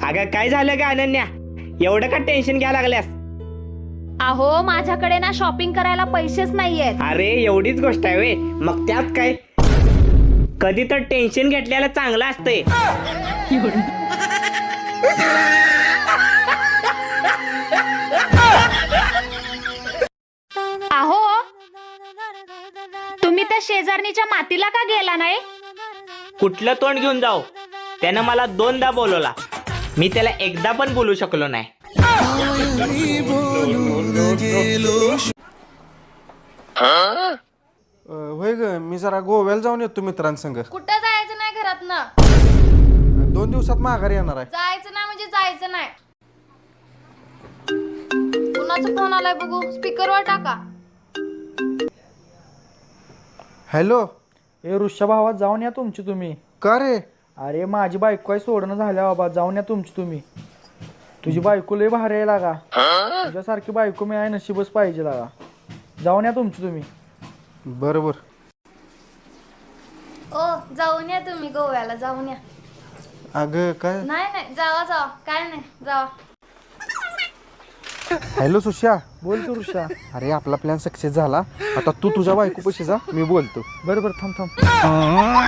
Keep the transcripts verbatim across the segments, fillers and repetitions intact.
अगं काय झालं का अनन्या, एवढं का टेन्शन घ्यायला लागल्यास? अहो माझ्याकडे ना शॉपिंग करायला पैसेच नाहीयेत. अरे एवढीच गोष्ट आहे वे, मग त्यात काय? कधी तर टेन्शन घेतल्याला चांगलं असतंय. अहो तुम्ही त्या शेजारणीच्या मातीला का गेला नाही? कुठलं तोंड घेऊन जाऊ? त्यानं मला दोनदा बोलवला, मी त्याला एकदा पण बोलू शकलो नाही. होय ग, मी जरा गोव्याला जाऊन येतो मित्रांसंग. कुठं जायचं नाही घरात ना. दोन दिवसात माघारी येणार आहे. जायचं नाही म्हणजे जायचं नाही. कुणाचा फोन आलाय बघू, स्पीकरवर टाका. हॅलो. ए ऋषा भावा, जाऊन या तुमची तुम्ही. का रे? अरे माझी बायको काय सोडणं झाल्या बाबा, जाऊन या तुमची तुम्ही. तुझी बायको लय भारी आहे लागा, तुझ्यासारखी बायको मी आहे नशीबच पाहिजे लागा. जाऊन या तुमची तुम्ही. बरोबर. ओ जाऊन या तुम्ही गोव्याला, जाऊन या. अगं काय? नाही नाही जावा जावा, काय नाही जावा. हॅलो सुश्या. बोल तू ऋषा. अरे आपला प्लॅन सक्सेस झाला, आता तू तुझ्या बायको पशी जा, मी बोलतो. बरोबर, थांब थांब.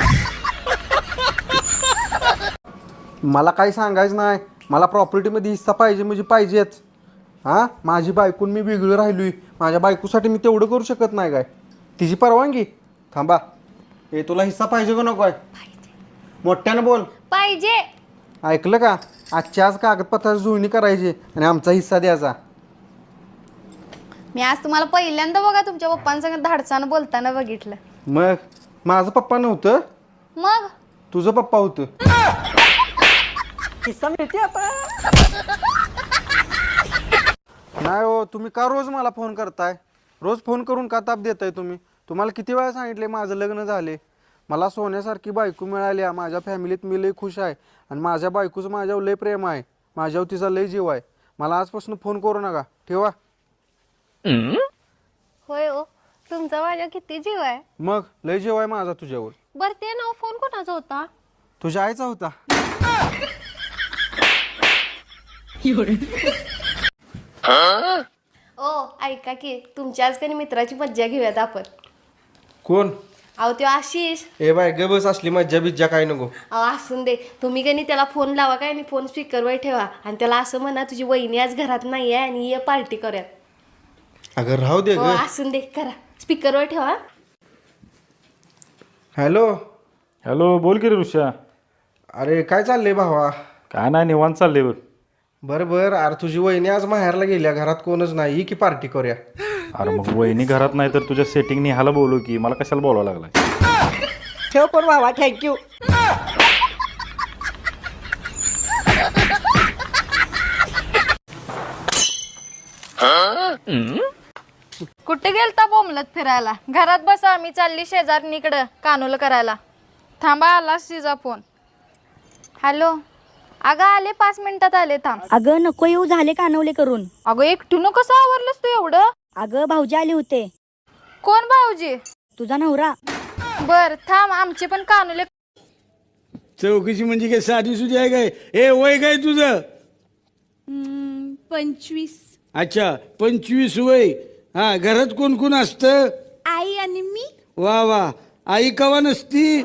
मला काही सांगायचं नाही, मला प्रॉपर्टीमध्ये हिस्सा पाहिजे म्हणजे पाहिजेच. हां, माझी बायकून मी वेगळं राहिलोय, माझ्या बायकोसाठी मी तेवढं करू शकत नाही काय? तिची परवानगी? थांबा. ए तुला हिस्सा पाहिजे का नको आहे? मोठ्यानं बोल. पाहिजे. ऐकलं का? आजच्या आज कागदपत्राची जुळणी करायची आणि आमचा हिस्सा द्यायचा. मी आज तुम्हाला पहिल्यांदा बघा तुमच्या पप्पांसंग धाडसानं बोलताना बघितलं. मग माझं पप्पा नव्हतं, मग तुझं पप्पा होतं. नाही हो, तुम्ही का रोज मला फोन करताय? रोज फोन करून का ताप देताय तुम्ही? तुम्हाला किती वेळा सांगितले माझं लग्न झाले, मला सोन्यासारखी बायको मिळाली, माझ्या फॅमिलीत मी लय खुश आहे आणि माझ्या बायकोचं माझ्यावर लय प्रेम आहे, माझ्यावर तिचा लय जीव आहे. मला आजपासून फोन करू नका, ठेवा. होय ओ, तुमचा माझ्या किती जीव आहे. मग लय जीव आहे माझा तुझ्यावर. बर ते नाव फोन कोणाचा होता? तुझ्या आईचा होता. ओ ऐका की, तुमच्या आज काही मित्राची मज्जा घेऊयात आपण. कोण? अहो तो आशिष. ए बाय ग बस, असली मज्जा बिज्जा काय नको. अहो असून दे, तुम्ही काही त्याला फोन लावा काय आणि फोन स्पीकरवर ठेवा आणि त्याला असं म्हणा तुझी वहिनी आज घरात नाही आहे आणि ये पार्टी करूयात. अगं राहू दे हो ग. असून दे, करा स्पीकरवर ठेवा. हॅलो. हॅलो, बोल की रे ऋषा. अरे काय चाललंय भावा? काय नाही, निवांत चाललंय बघ. बरं बरं. अरे तुझी वहिनी आज माहेरला गेल्या, घरात कोणच नाही, की पार्टी करूया. अरे मग वहिनी घरात नाही तर तुझ्या सेटिंग निहाला बोलू की, मला कशाला बोलावं लागलाय? ठेव पण बाबा, थँक्यू. कुठे गेलता बोमलत फिरायला? घरात बसा, आम्ही चालली शेजारणीकडं कानूल करायला. थांबा, आला तिचा फोन. हॅलो. अगं आले, पाच मिनिटात आले, थांब. अगं नको येऊ, झाले कानवले करून. अगं एकटीनं कसं आवरलंस तू एवढं? अगं भाऊजी आले होते. कोण भाऊजी? तुझा नवरा. बर थांब, आमचे पण कानूले. चौकशी म्हणजे काय साधी सुधी आहे काय? ए वय काय तुझं? पंचवीस. अच्छा, पंचवीस वय. हा, घरात कोण कोण असतं? आई आणि मी. वा वा. आई कवा नसती?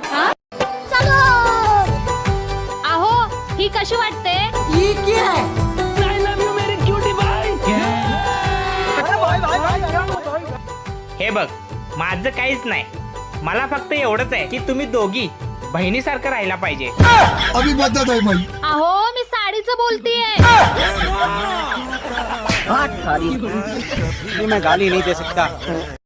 अहो ही कशी वाटते? हे बघ, माझं काहीच नाही, मला फक्त एवढंच आहे की तुम्ही दोघी बहिणीसारखं राहायला पाहिजे. अहो मी साडीचं बोलतीये. मैं गाली नहीं दे सकता.